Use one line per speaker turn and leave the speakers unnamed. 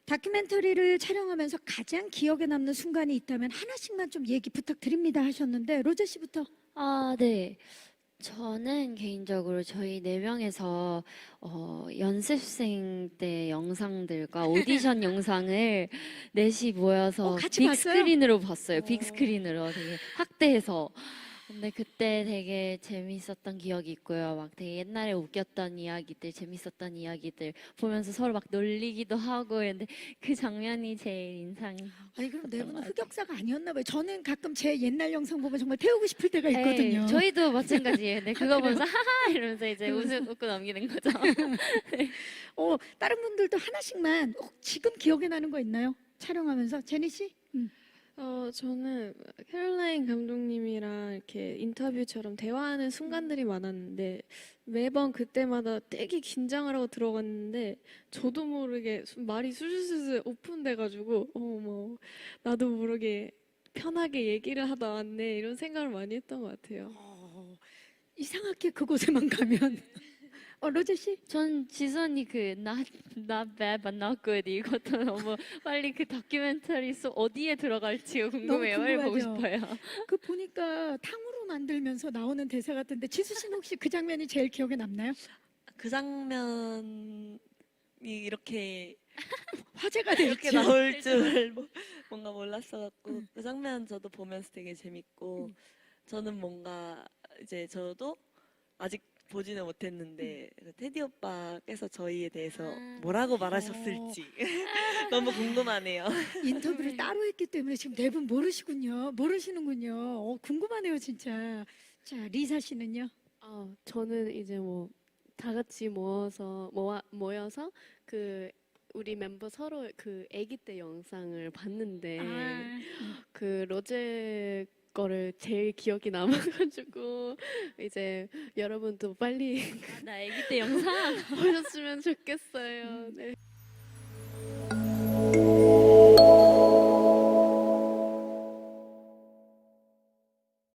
다큐멘터리를 촬영하면서 가장 기억에 남는 순간이 있다면 하나씩만 좀 얘기 부탁드립니다 하셨는데 로제 씨부터.
아, 네. 저는 개인적으로 저희 네 명에서 연습생 때 영상들과 오디션 영상을 넷이 모여서
같이 봤어요?
빅스크린으로 봤어요. 빅스크린으로 되게 확대해서. 근데 그때 되게 재밌었던 기억이 있고요. 막 되게 옛날에 웃겼던 이야기들, 재밌었던 이야기들 보면서 서로 막 놀리기도 하고 근데 그 장면이 제일 인상이
아니 그럼 네
깊었던 것
분은
같아요.
흑역사가 아니었나 봐요. 저는 가끔 제 옛날 영상 보면 정말 태우고 싶을 때가
네,
있거든요.
저희도 마찬가지예요. 근데 그거
그래요?
보면서 하하 이러면서 이제
그러면서.
웃고 넘기는 거죠.
다른 분들도 하나씩만 지금 기억에 나는 거 있나요? 촬영하면서 제니 씨?
저는 캐롤라인 감독님이랑 이렇게 인터뷰처럼 대화하는 순간들이 많았는데 매번 그때마다 되게 긴장을 하고 들어갔는데 저도 모르게 말이 술술술 오픈돼가지고 뭐 나도 모르게 편하게 얘기를 하다 왔네 이런 생각을 많이 했던 것 같아요.
이상하게 그곳에만 가면 로제 씨?
전 지선이 그 not bad but not good 이것도 너무 빨리 그 다큐멘터리 속 어디에 들어갈지가 궁금해요. 빨리 보고
궁금하죠?
싶어요.
그 보니까 탕후루 만들면서 나오는 대사 같은데 지수 씨는 혹시 그 장면이 제일 기억에 남나요?
그 장면이 이렇게
화제가 될
이렇게
줄.
나올 줄 뭔가 몰랐어갖고 그 장면 저도 보면서 되게 재밌고 저는 뭔가 이제 저도 아직 보지는 못했는데 그 테디 오빠께서 저희에 대해서 뭐라고 말하셨을지 너무 궁금하네요.
인터뷰를 따로 했기 때문에 지금 네 분 모르시는군요. 궁금하네요 진짜. 자 리사 씨는요?
저는 이제 뭐 다 같이 모여서 그 우리 멤버 서로 그 아기 때 영상을 봤는데 그 로제 거를 제일 기억이 남아가지고 이제 여러분도 빨리
나 아기 때 영상
보셨으면 좋겠어요. 네.